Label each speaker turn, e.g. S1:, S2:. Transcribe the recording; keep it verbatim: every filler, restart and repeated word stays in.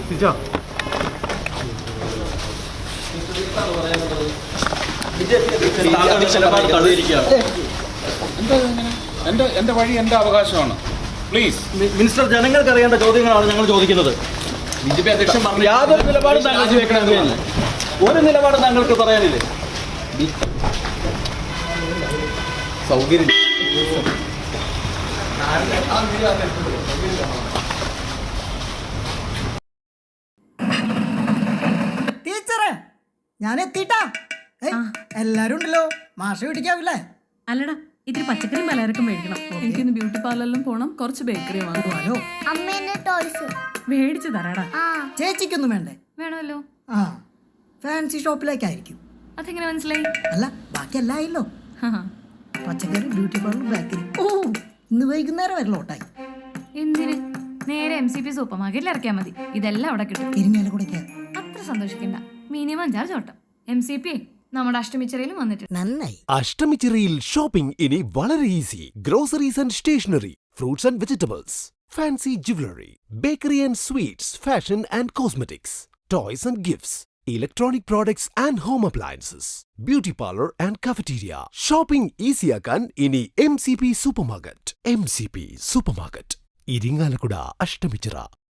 S1: എന്റെ എന്റെ വഴി എന്റെ അവകാശമാണ്. പ്ലീസ്
S2: മിനിസ്റ്റർ, ജനങ്ങൾക്ക് അറിയേണ്ട ചോദ്യങ്ങളാണ് ഞങ്ങൾ ചോദിക്കുന്നത്.
S1: ബി ജെ പി അധ്യക്ഷൻ പറഞ്ഞു
S2: യാതൊരു നിലപാടും താങ്കൾ സ്വീകരിക്കണമെന്നില്ല. ഒരു നിലപാടും താങ്കൾക്ക് പറയാനില്ലേ?
S1: സൗകര്യം
S3: ടീച്ചറെ, ഞാൻ എത്തിട്ടാ. എല്ലാരും ഉണ്ടല്ലോ, മാഷ പിടിക്കാവില്ലേ?
S4: അല്ലടാ, ഇത്തിരി പച്ചക്കറി പലചരക്കും മേടിക്കണം.
S5: എനിക്കിന്ന് ബ്യൂട്ടി പാർലറിലും പോണം, കുറച്ച് ബേക്കറി വാങ്ങുവാനോ.
S6: അമ്മേന്റെ ടോയ്സ്
S4: മേടിച്ചു തരാടാ.
S3: ചേച്ചിക്കൊന്നും വേണ്ടേ?
S4: വേണമല്ലോ.
S3: ആ, ഫാൻസി ഷോപ്പിലേക്കായിരിക്കും.
S4: അതെങ്ങനെ മനസ്സിലായി?
S3: അല്ല, ബാക്കി എല്ലാം ആയില്ലോ. പച്ചക്കറി, ബ്യൂട്ടി പാർലർ, ബേക്കറി. ഓ, ഇന്ന് വൈകുന്നേരം വരെ ലോട്ടായി.
S4: എന്തിന്? നേരെ എം സി പി സൂപ്പർ മാർക്കറ്റിൽ ഇറക്കിയാൽ മതി. ഇതെല്ലാം അവിടെ കിട്ടും.
S3: ഇരിഞ്ഞാലും കൂടെ
S4: അത്ര സന്തോഷിക്കണ്ട. മിനിമം ചാർജ് ഓട്ടം. എം സി പി നമ്മുടെ അഷ്ടമിച്ചിറയിലും വന്നിട്ടുണ്ട്.
S3: നന്നായി.
S7: അഷ്ടമിച്ചിറയിൽ ഷോപ്പിംഗ് ഇനി വളരെ easy. Groceries and stationery, fruits and vegetables, fancy jewellery, bakery and sweets, fashion and cosmetics, toys and gifts, electronic products and home appliances, beauty parlour and cafeteria. Shopping ഈസിയാക്കാൻ ഇനി M C P supermarket. M C P supermarket, Irinjalakuda, Ashtamichira.